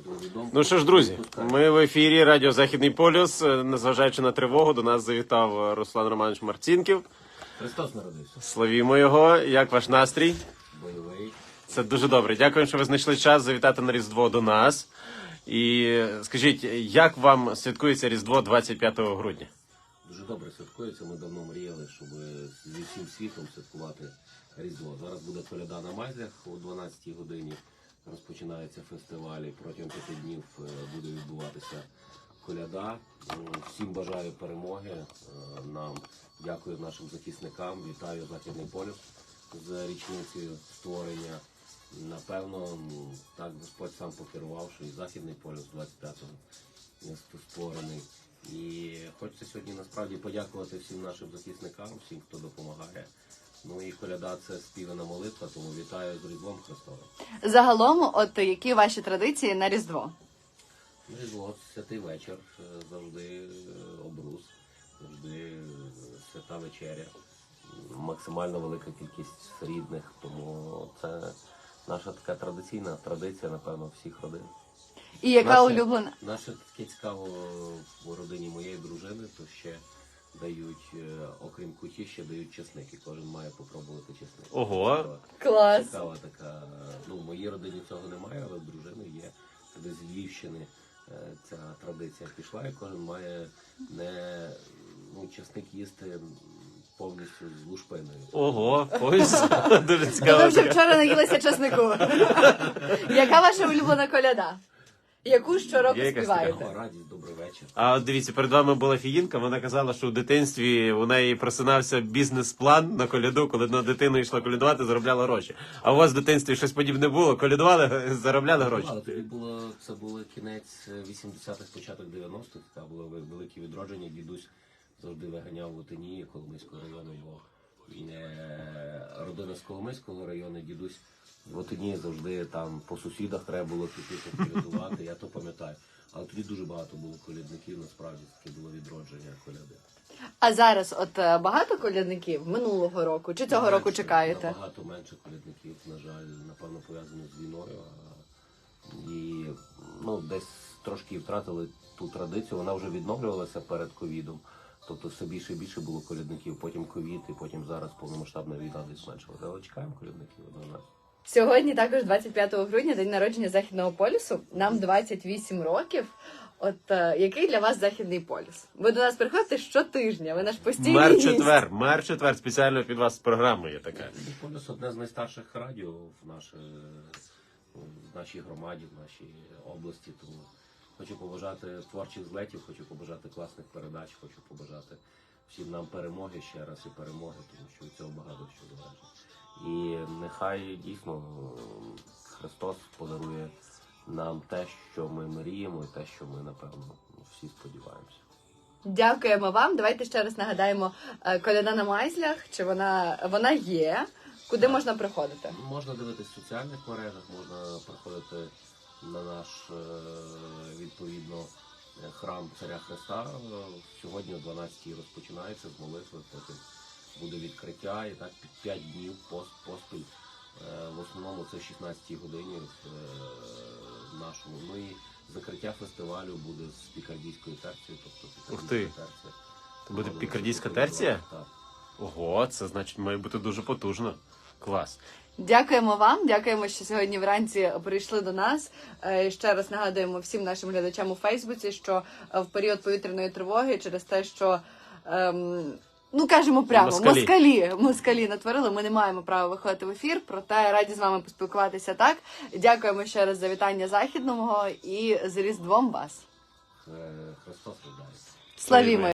Ну що ж, друзі, ми в ефірі Радіо Західний полюс. Незважаючи на тривогу, до нас завітав Руслан Романович Марцінків. Христос народився. Славімо його. Як ваш настрій? Бойовий. Це дуже добре. Дякую, що ви знайшли час завітати на Різдво до нас. І скажіть, як вам святкується Різдво 25 грудня? Дуже добре святкується. Ми давно мріяли, щоб зі всім світом святкувати Різдво. Зараз буде коляда на Майзлях о 12-й годині. Розпочинається фестиваль. Протягом 5 днів буде відбуватися коляда. Всім бажаю перемоги. Нам дякую нашим захисникам. Вітаю Західний полюс з річницею створення. Напевно, так Господь сам покерував, що і Західний полюс 25-го створений. І хочеться сьогодні насправді подякувати всім нашим захисникам, всім, хто допомагає. Ну і коляда – це співана молитва, тому вітаю з Різдвом Христовим. Загалом, от які ваші традиції на Різдво? Різдво – святий вечір, завжди обрус, завжди свята вечеря. Максимально велика кількість рідних, тому це наша така традиційна традиція, напевно, всіх родин. І яка улюблена? Наше таке цікаво в родині моєї дружини, то ще дають, окрім куті, ще дають чесник, і кожен має попробувати чесник. Ого! Клас! Цікава така, ну, в моїй родині цього немає, але в дружини є. Туди з Львівщини ця традиція пішла, і кожен має не, ну, чесник їсти повністю з лушпиною. Ого, ось дуже То цікаво. ви вже вчора наїлися чеснику. Яка ваша улюблена коляда? Яку щороку Є якась співаєте? Така радість, добрий вечір. А от дивіться, перед вами була фіїнка, вона казала, що в дитинстві у неї просинався бізнес-план на коляду, коли на дитину йшла колядувати, заробляла гроші. А у вас в дитинстві щось подібне було? Колядували, заробляли гроші? Але тоді це було кінець 80-х, початок 90-х, це було велике відродження. Дідусь завжди виганяв в Отинії, Коломийського району, його родина з Коломийського району, дідусь в Отинії завжди там по сусідах треба було піти колядувати, я то пам'ятаю. Але тоді дуже багато було колядників, насправді таке було відродження коляди. А зараз от багато колядників минулого року чи цього року чекаєте? Набагато менше колядників, на жаль, напевно, пов'язано з війною. І ну, десь трошки втратили ту традицію, вона вже відновлювалася перед ковідом. Тобто все більше і більше було колядників, потім ковід, і потім зараз повномасштабна війна десь зменшилася. Але чекаємо колядників однозначно. Сьогодні також 25 грудня, день народження Західного полюсу. Нам 28 років. От який для вас Західний полюс? Ви до нас приходите щотижня, ви наш постійний гість. Мер-четвер, спеціально під вас програма є така. Західний полюс – одне з найстарших радіо в нашій громаді, в нашій області. Тому хочу побажати творчих злетів, хочу побажати класних передач, хочу побажати всім нам перемоги ще раз і перемоги, тому що від цього багато що залежить. І нехай дійсно Христос подарує нам те, що ми мріємо, і те, що ми, напевно, всі сподіваємося. Дякуємо вам. Давайте ще раз нагадаємо, коляда на Майзлях, чи вона є, куди можна приходити? Можна дивитися в соціальних мережах, можна приходити на наш, відповідно, храм Царя Христа. Сьогодні о 12-й розпочинається з молитви, потім буде відкриття, і так 5 днів поспіль. В основному це 16-й годині в нашому. Ну і закриття фестивалю буде з пікардійською терцією. Тобто Ух ти! терція. Це буде пікардійська терція? Так. Ого, це значить має бути дуже потужно. Клас. Дякуємо вам, дякуємо, що сьогодні вранці прийшли до нас. Ще раз нагадуємо всім нашим глядачам у Фейсбуці, що в період повітряної тривоги через те, що ну, кажемо прямо, москалі натворили, ми не маємо права виходити в ефір, проте раді з вами поспілкуватися так. Дякуємо ще раз за вітання Західного і з Різдвом вас. Христос рождається. Славімо!